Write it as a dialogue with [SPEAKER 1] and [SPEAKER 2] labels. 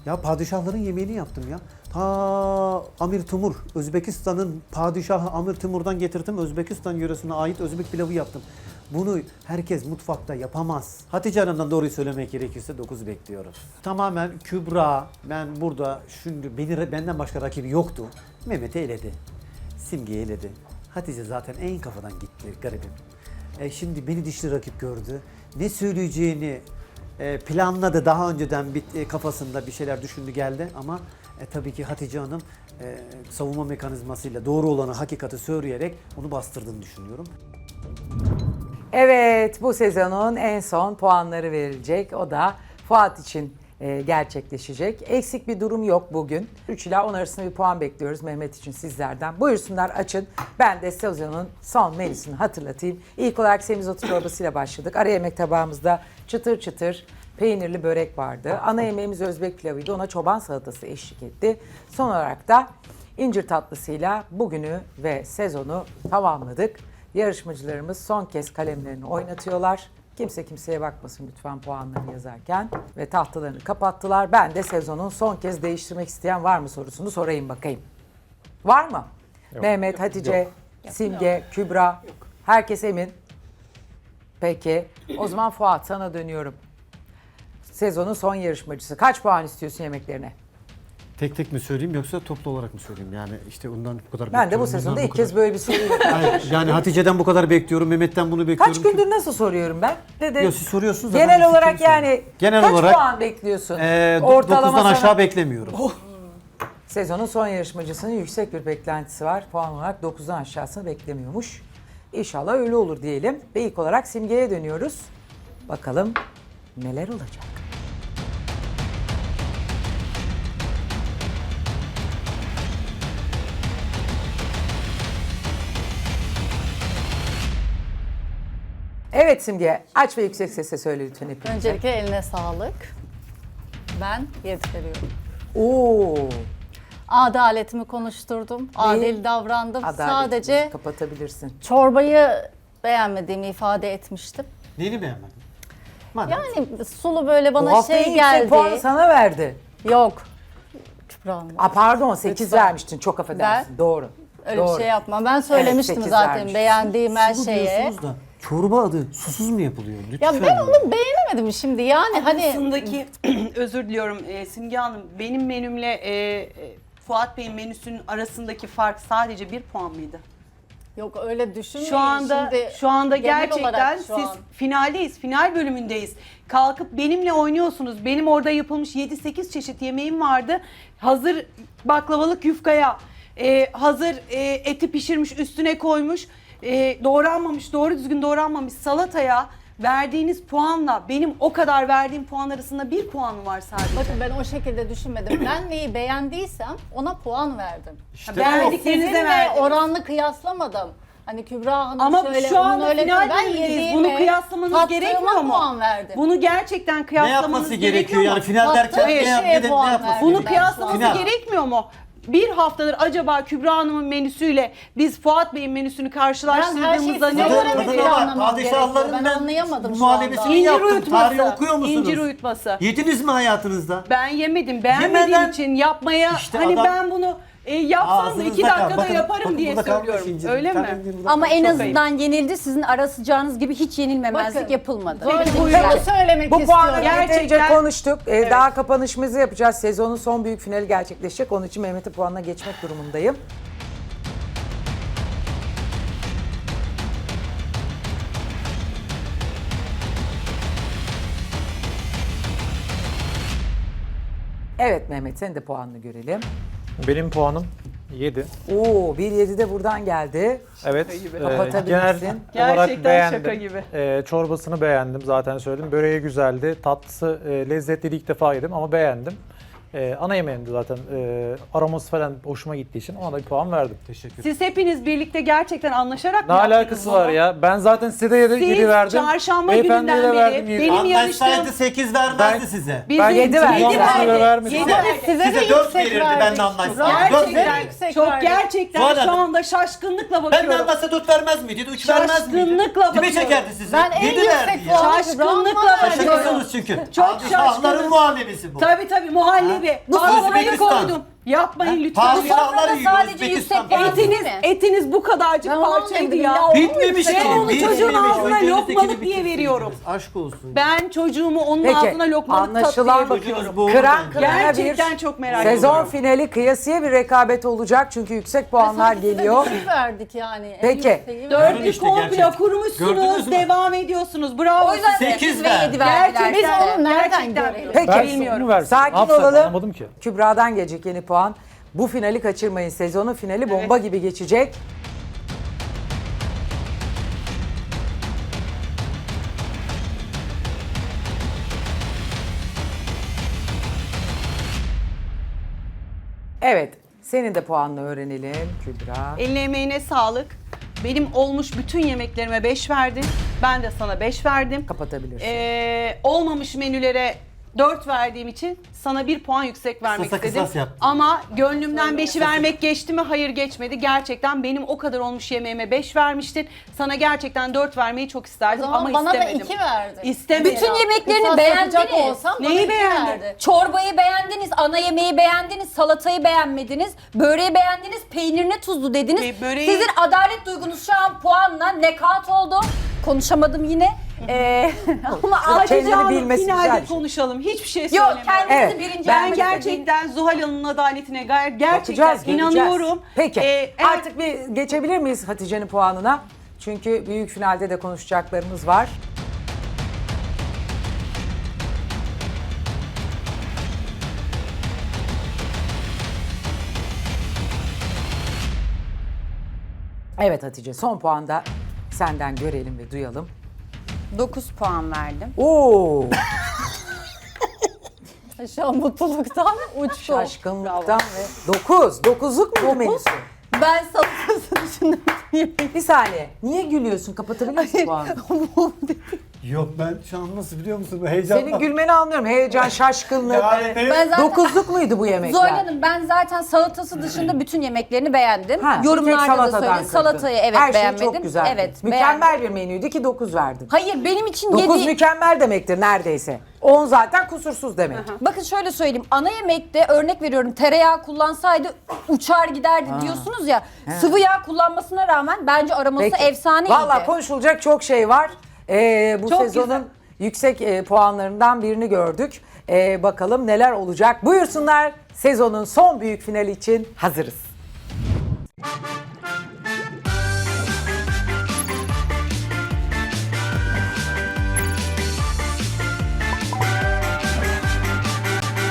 [SPEAKER 1] Ya padişahların yemeğini yaptım ya. Ta Amir Timur, Özbekistan'ın padişahı Amir Timur'dan getirdim. Özbekistan yöresine ait Özbek pilavı yaptım. Bunu herkes mutfakta yapamaz. Hatice Hanım'dan doğruyu söylemek gerekirse 9 bekliyorum. Tamamen Kübra, ben burada şimdi benden başka rakibi yoktu. Mehmet'i eledi. Simge'yi eledi. Hatice zaten en kafadan gitti garibim. Şimdi beni dişli rakip gördü. Ne söyleyeceğini planladı daha önceden kafasında bir şeyler düşündü geldi ama tabii ki Hatice Hanım savunma mekanizmasıyla doğru olanı hakikati söyleyerek onu bastırdığını düşünüyorum.
[SPEAKER 2] Evet, bu sezonun en son puanları verilecek. O da Fuat için gerçekleşecek. Eksik bir durum yok bugün. 3 ila 10 arasında bir puan bekliyoruz Mehmet için sizlerden. Buyursunlar açın. Ben de sezonun son menüsünü hatırlatayım. İlk olarak semizotu çorbasıyla başladık. Ara yemek tabağımızda çıtır çıtır peynirli börek vardı. Ana yemeğimiz Özbek pilavıydı. Ona çoban salatası eşlik etti. Son olarak da incir tatlısıyla bugünü ve sezonu tamamladık. Yarışmacılarımız son kez kalemlerini oynatıyorlar. Kimse kimseye bakmasın lütfen puanlarını yazarken. Ve tahtalarını kapattılar. Ben de sezonun son kez değiştirmek isteyen var mı sorusunu sorayım bakayım. Var mı? Yok. Mehmet, Hatice, Simge, Kübra. Yok. Herkes emin. Peki. O zaman Fuat sana dönüyorum. Sezonun son yarışmacısı. Kaç puan istiyorsun yemeklerine?
[SPEAKER 1] Tek tek mi söyleyeyim yoksa toplu olarak mı söyleyeyim? Yani işte ondan bu kadar
[SPEAKER 2] Ben de bu
[SPEAKER 1] bekliyorum,
[SPEAKER 2] sezonda
[SPEAKER 1] bundan
[SPEAKER 2] ilk
[SPEAKER 1] bu kadar.
[SPEAKER 2] kez böyle bir soruyu
[SPEAKER 1] Hayır, yani Hatice'den bu kadar bekliyorum, Mehmet'ten bunu bekliyorum.
[SPEAKER 2] Kaç gündür nasıl soruyorum ben? Dedi.
[SPEAKER 1] Yok, siz soruyorsunuz da ben
[SPEAKER 2] Genel
[SPEAKER 1] de
[SPEAKER 2] olarak
[SPEAKER 1] fikrimi
[SPEAKER 2] yani
[SPEAKER 1] söylüyorum. Genel
[SPEAKER 2] kaç
[SPEAKER 1] olarak,
[SPEAKER 2] puan bekliyorsun?
[SPEAKER 1] 9'dan aşağı beklemiyorum.
[SPEAKER 2] Sezonun son yarışmacısının yüksek bir beklentisi var. Puan olarak 9'dan aşağısını beklemiyormuş. İnşallah öyle olur diyelim. Ve ilk olarak Simge'ye dönüyoruz. Bakalım neler olacak? Evet Simge, aç ve yüksek sesle söyle lütfen hepimize.
[SPEAKER 3] Öncelikle eline sağlık. Ben 7 veriyorum.
[SPEAKER 2] Oo,
[SPEAKER 3] Adaletimi konuşturdum. Adil davrandım.
[SPEAKER 2] adaletimizi
[SPEAKER 3] Sadece
[SPEAKER 2] kapatabilirsin.
[SPEAKER 3] çorbayı beğenmediğimi ifade etmiştim.
[SPEAKER 1] Neyini beğenmedin? Madem.
[SPEAKER 3] Yani sulu böyle
[SPEAKER 2] Bu
[SPEAKER 3] bana
[SPEAKER 2] hafta en
[SPEAKER 3] şey
[SPEAKER 2] yüksek
[SPEAKER 3] geldi.
[SPEAKER 2] puanı sana verdi.
[SPEAKER 3] Yok. Kübra Hanım.
[SPEAKER 2] Pardon 8
[SPEAKER 3] Lütfen.
[SPEAKER 2] vermiştin, çok affedersin. Doğru.
[SPEAKER 3] Öyle
[SPEAKER 2] Doğru.
[SPEAKER 3] bir şey yapma. Ben söylemiştim
[SPEAKER 2] 8
[SPEAKER 3] zaten
[SPEAKER 2] vermiş.
[SPEAKER 3] beğendiğim her
[SPEAKER 1] Sulu
[SPEAKER 3] şeye.
[SPEAKER 1] diyorsunuz da çorba adı susuz mu yapılıyor? Lütfen.
[SPEAKER 3] Ya ben onu beğenemedim şimdi. Yani hani
[SPEAKER 4] Arasındaki özür diliyorum Simge Hanım, benim menümle Fuat Bey'in menüsünün arasındaki fark sadece 1 puan mıydı?
[SPEAKER 3] yok öyle düşünmeyin.
[SPEAKER 4] Şu
[SPEAKER 3] Şimdi
[SPEAKER 4] anda
[SPEAKER 3] genel
[SPEAKER 4] gerçekten
[SPEAKER 3] olarak şu
[SPEAKER 4] siz
[SPEAKER 3] an.
[SPEAKER 4] finaldeyiz, final bölümündeyiz. Kalkıp benimle oynuyorsunuz. Benim orada yapılmış 7-8 çeşit yemeğim vardı. Hazır baklavalık yufkaya, hazır eti pişirmiş üstüne koymuş, doğranmamış, doğru düzgün doğranmamış salataya verdiğiniz puanla benim o kadar verdiğim puan arasında 1 puan mı var sadece?
[SPEAKER 3] Bakın ben o şekilde düşünmedim. Ben neyi beğendiysem ona puan verdim.
[SPEAKER 1] İşte
[SPEAKER 4] beğendiklerinize
[SPEAKER 3] Sizinle
[SPEAKER 4] verdiniz.
[SPEAKER 3] oranlı kıyaslamadım. Hani Kübra Hanım
[SPEAKER 4] Ama
[SPEAKER 3] şöyle,
[SPEAKER 4] şu anda
[SPEAKER 3] onun öyle
[SPEAKER 4] final
[SPEAKER 3] ben
[SPEAKER 4] bölümündeyiz.
[SPEAKER 3] yediğime,
[SPEAKER 4] Bunu kıyaslamanız
[SPEAKER 3] tattığıma
[SPEAKER 4] gerekmiyor mu?
[SPEAKER 3] puan verdim.
[SPEAKER 4] Bunu gerçekten
[SPEAKER 1] ne
[SPEAKER 4] kıyaslamanız
[SPEAKER 1] yapması gerekiyor
[SPEAKER 4] mu?
[SPEAKER 1] yani final derken
[SPEAKER 3] Tattığım
[SPEAKER 1] ne,
[SPEAKER 3] şeye
[SPEAKER 1] ne
[SPEAKER 3] puan
[SPEAKER 1] yapması
[SPEAKER 3] verdim.
[SPEAKER 4] Bunu
[SPEAKER 1] gerekiyor?
[SPEAKER 4] kıyaslaması
[SPEAKER 1] Final.
[SPEAKER 4] gerekmiyor mu? Bir haftadır acaba Kübra Hanım'ın menüsüyle biz Fuat Bey'in menüsünü
[SPEAKER 3] Ben her şeyi
[SPEAKER 4] karşılaştırdığımızda
[SPEAKER 3] size
[SPEAKER 4] ne
[SPEAKER 3] göre
[SPEAKER 4] olur?
[SPEAKER 3] mi
[SPEAKER 1] Tadına bak,
[SPEAKER 3] planlamam
[SPEAKER 1] padişahların
[SPEAKER 3] gerekiyor? Ben
[SPEAKER 1] ben
[SPEAKER 3] anlayamadım şu
[SPEAKER 1] muhallebesini
[SPEAKER 3] anda.
[SPEAKER 4] İncir
[SPEAKER 1] yaptım. Tarihi okuyor
[SPEAKER 4] uyutması.
[SPEAKER 1] musunuz?
[SPEAKER 4] İncir uyutması.
[SPEAKER 1] Yediniz mi hayatınızda?
[SPEAKER 4] Ben yemedim. Beğenmediğim
[SPEAKER 1] Yemeden-
[SPEAKER 4] için yapmaya
[SPEAKER 1] İşte
[SPEAKER 4] hani
[SPEAKER 1] adam-
[SPEAKER 4] ben bunu yapsam da
[SPEAKER 1] Ağzınızda
[SPEAKER 4] 2
[SPEAKER 1] kal.
[SPEAKER 4] dakikada
[SPEAKER 1] Bakın,
[SPEAKER 4] yaparım
[SPEAKER 1] bakın
[SPEAKER 4] diye
[SPEAKER 1] burada kalmış
[SPEAKER 4] söylüyorum.
[SPEAKER 1] incir.
[SPEAKER 4] Öyle
[SPEAKER 1] Bir tane
[SPEAKER 4] mi?
[SPEAKER 1] incir burada
[SPEAKER 5] Ama
[SPEAKER 1] kalmış.
[SPEAKER 5] en
[SPEAKER 1] Çok
[SPEAKER 5] azından yenildi. Sizin ara sıcağınız gibi hiç yenilmemezlik
[SPEAKER 3] Bakın,
[SPEAKER 5] yapılmadı.
[SPEAKER 3] Böyle
[SPEAKER 4] Peki, buyurun.
[SPEAKER 3] bunu söylemek
[SPEAKER 2] Bu puanı
[SPEAKER 3] istiyorum.
[SPEAKER 2] yeterince
[SPEAKER 4] Gerçekten-
[SPEAKER 2] konuştuk. Daha kapanışımızı yapacağız. Sezonun son büyük finali gerçekleşecek. Onun için Mehmet'in puanına geçmek durumundayım. Evet Mehmet, senin de puanını görelim.
[SPEAKER 6] Benim puanım 7.
[SPEAKER 2] Oo, 1.7 de buradan geldi.
[SPEAKER 6] Evet.
[SPEAKER 2] Kapatabilirsin.
[SPEAKER 6] Genel olarak
[SPEAKER 4] Gerçekten
[SPEAKER 6] beğendim.
[SPEAKER 4] şaka gibi.
[SPEAKER 6] Çorbasını beğendim zaten söyledim. Böreği güzeldi. Tatlısı lezzetli, ilk defa yedim ama beğendim. Ana yemeğimdi zaten. Aroması falan hoşuma gittiği için ona da bir puan verdim.
[SPEAKER 1] Teşekkür ederim.
[SPEAKER 4] Siz hepiniz birlikte gerçekten anlaşarak
[SPEAKER 6] Ne
[SPEAKER 4] mı yaptınız
[SPEAKER 6] alakası
[SPEAKER 4] bunu?
[SPEAKER 6] var ya? Ben zaten size de 7
[SPEAKER 4] Siz
[SPEAKER 6] verdim.
[SPEAKER 4] çarşamba
[SPEAKER 6] Beyefendiye
[SPEAKER 4] gününden
[SPEAKER 6] de
[SPEAKER 4] beri
[SPEAKER 6] verdim, yedi.
[SPEAKER 4] benim
[SPEAKER 1] Anlaşsaydı
[SPEAKER 4] yarıştığım
[SPEAKER 1] 8 vermezdi size.
[SPEAKER 4] bizim
[SPEAKER 6] Ben
[SPEAKER 2] yedi verdi.
[SPEAKER 4] yedi
[SPEAKER 6] Puanını
[SPEAKER 4] verdi.
[SPEAKER 6] vermedim.
[SPEAKER 4] Yedi
[SPEAKER 1] Size,
[SPEAKER 4] verdi.
[SPEAKER 3] Size de
[SPEAKER 1] size 4
[SPEAKER 3] yüksek
[SPEAKER 1] verirdi
[SPEAKER 3] verdik.
[SPEAKER 1] ben de anlaşsaydım. 4
[SPEAKER 4] Gerçekten
[SPEAKER 1] verirdi.
[SPEAKER 3] yüksek
[SPEAKER 4] çok
[SPEAKER 3] verdik.
[SPEAKER 4] gerçekten
[SPEAKER 1] Zuhal
[SPEAKER 4] şu
[SPEAKER 1] Hanım.
[SPEAKER 4] anda şaşkınlıkla
[SPEAKER 1] Ben de
[SPEAKER 4] bakıyorum.
[SPEAKER 1] anlatsa 4 vermez miydi? 3 vermez miydi?
[SPEAKER 4] Şaşkınlıkla
[SPEAKER 1] Kime
[SPEAKER 4] bakıyorum.
[SPEAKER 1] çekerdi sizi?
[SPEAKER 3] Ben en
[SPEAKER 1] 7
[SPEAKER 3] yüksek
[SPEAKER 1] verdi ya.
[SPEAKER 3] puanı
[SPEAKER 4] Şaşkınlıkla
[SPEAKER 3] Kübra Hanım'a
[SPEAKER 4] bakıyorum.
[SPEAKER 1] Şaşırırsınız çünkü.
[SPEAKER 4] Çok
[SPEAKER 1] Padişahların
[SPEAKER 4] şaşkınım.
[SPEAKER 1] muhallebisi bu.
[SPEAKER 4] Tabii muhallebi gibi.
[SPEAKER 5] Bu
[SPEAKER 4] Baklavayı
[SPEAKER 1] Özbekistan.
[SPEAKER 4] koydum. Yapmayın lütfen.
[SPEAKER 1] Padişahlar
[SPEAKER 5] Sofrada
[SPEAKER 1] yiyor
[SPEAKER 5] sadece
[SPEAKER 1] Özbekistan.
[SPEAKER 5] yüksek puan değil mi?
[SPEAKER 4] Etiniz bu kadarcık
[SPEAKER 3] Ben
[SPEAKER 4] parçaydı
[SPEAKER 3] anlamadım
[SPEAKER 4] ya.
[SPEAKER 3] ya.
[SPEAKER 1] Bitmemiş ki.
[SPEAKER 4] Ben onu çocuğun
[SPEAKER 1] bitmemiş.
[SPEAKER 4] ağzına
[SPEAKER 1] Önce
[SPEAKER 4] lokmalık
[SPEAKER 1] ötekini
[SPEAKER 4] diye
[SPEAKER 1] bitirseydiniz.
[SPEAKER 4] veriyorum.
[SPEAKER 1] Aşk olsun.
[SPEAKER 4] Ben çocuğumu onun
[SPEAKER 2] Peki
[SPEAKER 4] ağzına lokmalık tat diye
[SPEAKER 2] anlaşılan
[SPEAKER 4] bakıyorum.
[SPEAKER 1] Bu
[SPEAKER 2] kıran
[SPEAKER 1] bence.
[SPEAKER 2] kırana
[SPEAKER 4] Gerçekten
[SPEAKER 2] bir
[SPEAKER 4] çok merak
[SPEAKER 2] sezon
[SPEAKER 4] ediyorum.
[SPEAKER 2] finali kıyasıya bir rekabet olacak çünkü yüksek puanlar
[SPEAKER 3] Biz de
[SPEAKER 2] geliyor.
[SPEAKER 3] düşük verdik yani. En
[SPEAKER 2] Peki.
[SPEAKER 3] yükseği verdik.
[SPEAKER 4] Dördü
[SPEAKER 1] işte
[SPEAKER 4] komple
[SPEAKER 1] gerçek. Gördünüz
[SPEAKER 4] kurmuşsunuz,
[SPEAKER 1] mü?
[SPEAKER 4] devam ediyorsunuz. Bravo.
[SPEAKER 5] O yüzden
[SPEAKER 4] size.
[SPEAKER 5] 8 ve
[SPEAKER 1] ver.
[SPEAKER 5] 7 verdiler.
[SPEAKER 4] Gerçekten,
[SPEAKER 3] Biz onu nereden
[SPEAKER 4] gerçekten
[SPEAKER 3] görelim?
[SPEAKER 2] Peki.
[SPEAKER 6] Ben
[SPEAKER 4] bilmiyorum.
[SPEAKER 6] onu versin.
[SPEAKER 2] Sakin
[SPEAKER 6] Ne yapsak
[SPEAKER 2] olalım.
[SPEAKER 6] anlamadım ki.
[SPEAKER 2] Kübra'dan gelecek yeni puan. Bu finali kaçırmayın. Sezonun finali bomba gibi geçecek. Evet. Senin de puanını öğrenelim Kübra.
[SPEAKER 4] Eline emeğine sağlık. Benim olmuş bütün yemeklerime 5 verdin. Ben de sana 5 verdim.
[SPEAKER 2] Kapatabilirsin.
[SPEAKER 4] Olmamış menülere 4 verdiğim için sana 1 puan yüksek vermek
[SPEAKER 1] Kısasa
[SPEAKER 4] istedim.
[SPEAKER 1] kısas yaptın.
[SPEAKER 4] Ama gönlümden 5'i vermek geçti mi? Hayır geçmedi. Gerçekten benim o kadar olmuş yemeğime 5 vermiştin. Sana gerçekten 4 vermeyi çok
[SPEAKER 3] O
[SPEAKER 4] isterdim
[SPEAKER 3] zaman
[SPEAKER 4] ama
[SPEAKER 3] bana
[SPEAKER 4] istemedim.
[SPEAKER 3] da 2 verdi.
[SPEAKER 4] İstemedim.
[SPEAKER 5] Bütün yemeklerini
[SPEAKER 3] Kısas yapacak
[SPEAKER 5] beğendiniz.
[SPEAKER 3] olsam bana
[SPEAKER 4] Neyi
[SPEAKER 3] 2
[SPEAKER 4] beğendin?
[SPEAKER 3] verdi.
[SPEAKER 5] Çorbayı beğendiniz, ana yemeği beğendiniz, salatayı beğenmediniz, böreği beğendiniz, peynirine tuzlu dediniz.
[SPEAKER 4] Böreği-
[SPEAKER 5] Sizin adalet duygunuz şu an puanla nekat oldu. Konuşamadım yine. Ama
[SPEAKER 4] Hatice
[SPEAKER 2] Kendini
[SPEAKER 4] Hanım
[SPEAKER 2] bilmesi güzel
[SPEAKER 4] finalde
[SPEAKER 2] bir şey.
[SPEAKER 4] konuşalım. Hiçbir şey
[SPEAKER 5] Yok
[SPEAKER 4] söylemiyorum.
[SPEAKER 5] kendinizi
[SPEAKER 2] Evet,
[SPEAKER 5] birinci
[SPEAKER 4] Ben
[SPEAKER 5] yapmak
[SPEAKER 4] gerçekten Zuhal Hanım'ın adaletine gerçekten
[SPEAKER 2] Bakacağız, göreceğiz.
[SPEAKER 4] inanıyorum.
[SPEAKER 2] Peki
[SPEAKER 4] Evet.
[SPEAKER 2] artık bir geçebilir miyiz Hatice'nin puanına? Çünkü büyük finalde de konuşacaklarımız var. Evet Hatice son puanda senden görelim ve duyalım.
[SPEAKER 5] 9 puan verdim.
[SPEAKER 2] Oo,
[SPEAKER 3] Şu an mutluluktan uçtu.
[SPEAKER 2] şaşkınlıktan ve 9. 9'luk mu bu menüsü?
[SPEAKER 5] Ben salatası düşündüm.
[SPEAKER 2] Bir saniye. Niye gülüyorsun? Kapatabilir misin puanı?
[SPEAKER 1] Yok ben şu an nasıl biliyor musun? Heyecandan.
[SPEAKER 2] Senin gülmeni anlıyorum. Heyecan, şaşkınlık.
[SPEAKER 1] Yani benim-
[SPEAKER 5] Ben zaten
[SPEAKER 2] 9'luk muydu bu yemekler?
[SPEAKER 5] Zuhal Hanım ben zaten salatası dışında bütün yemeklerini beğendim.
[SPEAKER 2] Ha, bir tek
[SPEAKER 5] Yorumlarda da
[SPEAKER 2] salatadan
[SPEAKER 5] söyledim.
[SPEAKER 2] kırdın.
[SPEAKER 5] Salatayı evet
[SPEAKER 2] Her
[SPEAKER 5] beğenmedim.
[SPEAKER 2] şey çok güzeldi.
[SPEAKER 5] Evet
[SPEAKER 2] Mükemmel
[SPEAKER 5] beğendim.
[SPEAKER 2] bir menüydü ki 9 verdin.
[SPEAKER 5] Hayır benim için
[SPEAKER 2] 9
[SPEAKER 5] 7...
[SPEAKER 2] mükemmel demektir neredeyse. 10 zaten kusursuz demek.
[SPEAKER 5] Bakın şöyle söyleyeyim. Ana yemekte örnek veriyorum tereyağı kullansaydı uçar giderdi diyorsunuz ya. Sıvı yağ kullanmasına rağmen bence aroması
[SPEAKER 2] Peki.
[SPEAKER 5] efsaneydi.
[SPEAKER 2] Vallahi konuşulacak çok şey var. Bu
[SPEAKER 4] Çok
[SPEAKER 2] sezonun
[SPEAKER 4] güzel.
[SPEAKER 2] yüksek puanlarından birini gördük. Bakalım neler olacak. Buyursunlar, sezonun son büyük finali için hazırız.